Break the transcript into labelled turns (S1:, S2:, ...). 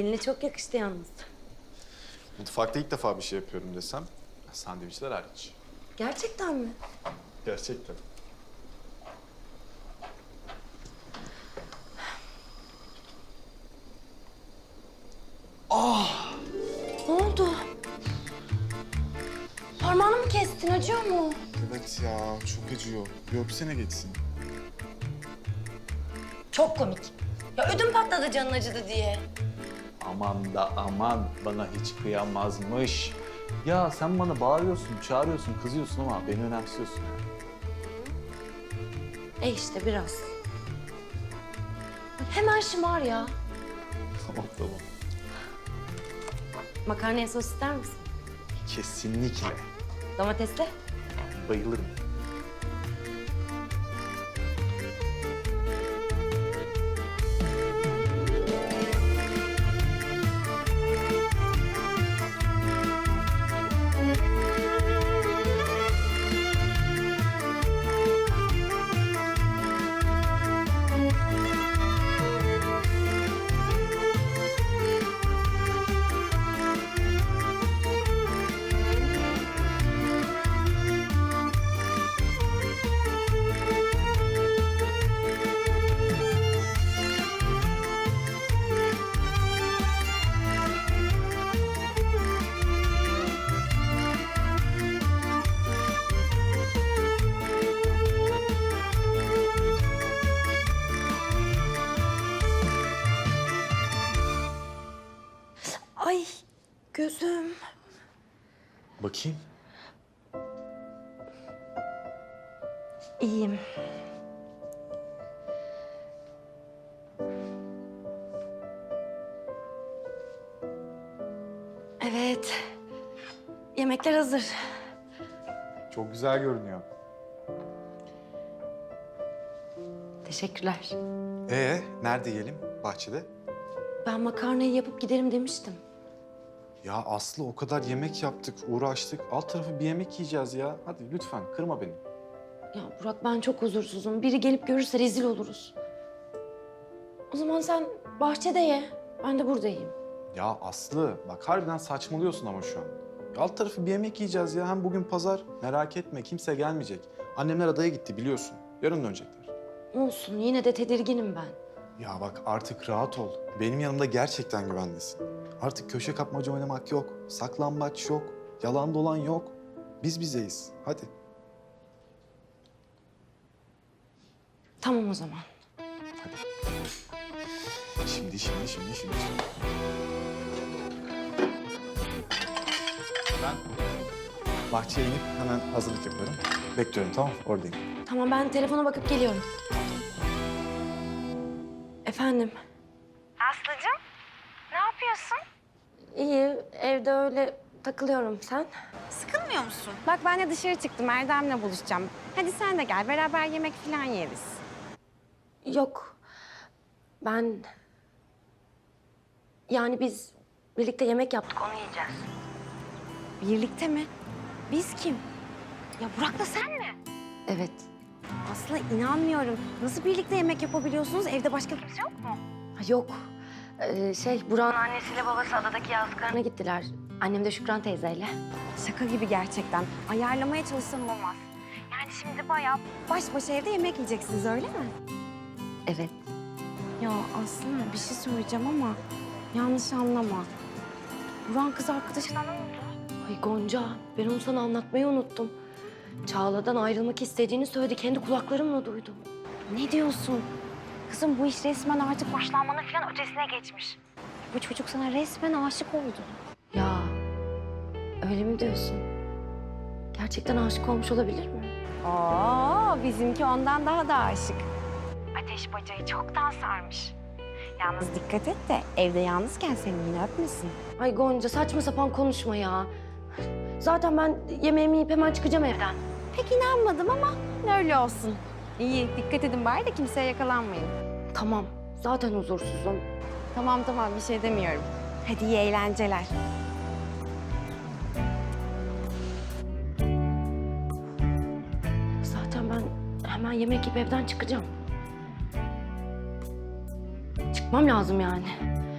S1: Eline çok yakıştı yalnız.
S2: Mutfakta ilk defa bir şey yapıyorum desem, sandviçler hariç.
S1: Gerçekten mi?
S2: Gerçekten.
S1: Ne oldu? Parmağını mı kestin? Acıyor mu?
S2: Evet ya, çok acıyor. Bir öpsene geçsin.
S1: Çok komik. Ya ödüm patladı canın acıdı diye.
S3: Aman da aman, bana hiç kıyamazmış. Ya sen bana bağırıyorsun, çağırıyorsun, kızıyorsun ama beni önemsiyorsun.
S1: İşte biraz. Hemen şımar ya.
S3: Tamam tamam.
S1: Makarnaya sos ister misin?
S3: Kesinlikle.
S1: Domatesle?
S3: Bayılırım.
S1: Ay gözüm.
S3: Bakayım.
S1: İyiyim. Evet. Yemekler hazır.
S2: Çok güzel görünüyor.
S1: Teşekkürler.
S2: Nerede yiyelim? Bahçede.
S1: Ben makarnayı yapıp giderim demiştim.
S2: Ya Aslı, o kadar yemek yaptık, uğraştık. Alt tarafı bir yemek yiyeceğiz ya. Hadi lütfen, kırma beni.
S1: Ya Burak ben çok huzursuzum. Biri gelip görürse rezil oluruz. O zaman sen bahçede ye. Ben de buradayım.
S2: Ya Aslı, bak harbiden saçmalıyorsun ama şu an. Ya alt tarafı bir yemek yiyeceğiz ya. Hem bugün pazar. Merak etme, kimse gelmeyecek. Annemler adaya gitti biliyorsun. Yarın dönecekler.
S1: Olsun yine de tedirginim ben.
S2: Ya bak artık rahat ol. Benim yanımda gerçekten güvendesin. Artık köşe kapmaca oynamak yok. Saklambaç yok. Yalan dolan yok. Biz bizeyiz. Hadi.
S1: Tamam o zaman.
S2: Şimdi. Ben bahçeye inip hemen hazırlık yaparım. Bekliyorum, tamam? Oradayım.
S1: Tamam ben telefona bakıp geliyorum. Efendim?
S4: Aslıcığım, ne yapıyorsun?
S1: İyi evde öyle takılıyorum. Sen?
S4: Sıkılmıyor musun? Bak ben de dışarı çıktım, Erdem'le buluşacağım. Hadi sen de gel, beraber yemek falan yeriz.
S1: Yok. Ben... Yani biz birlikte yemek yaptık onu yiyeceğiz.
S4: Birlikte mi? Biz kim? Ya Burak'la sen mi?
S1: Evet.
S4: Aslı inanmıyorum. Nasıl birlikte yemek yapabiliyorsunuz? Evde başka kimse yok mu?
S1: Ha, yok. Burak'ın annesiyle babası adadaki yazlıklarına gittiler. Annem de Şükran teyzeyle.
S4: Şaka gibi gerçekten. Ayarlamaya çalışsam olmaz. Yani şimdi bayağı baş başa evde yemek yiyeceksiniz öyle mi?
S1: Evet.
S4: Ya Aslı bir şey söyleyeceğim ama yanlış anlama. Burak'ın kız arkadaşına ne oldu?
S1: Ay Gonca, ben onu sana anlatmayı unuttum. Çağla'dan ayrılmak istediğini söyledi. Kendi kulaklarımla duydum.
S4: Ne diyorsun? Kızım bu iş resmen artık başlanmanın falan ötesine geçmiş. Bu çocuk sana resmen aşık oldu.
S1: Ya, öyle mi diyorsun? Gerçekten aşık olmuş olabilir mi?
S4: Bizimki ondan daha da aşık. Ateş bacayı çoktan sarmış. Yalnız dikkat et de evde yalnızken seni yine öpmesin.
S1: Ay Gonca saçma sapan konuşma ya. Zaten ben yemeğimi yiyip hemen çıkacağım evden.
S4: Pek inanmadım ama öyle olsun. İyi, dikkat edin bari de kimseye yakalanmayın.
S1: Tamam, zaten huzursuzum.
S4: Tamam bir şey demiyorum. Hadi iyi eğlenceler.
S1: Zaten ben hemen yemek yiyip evden çıkacağım. Çıkmam lazım yani.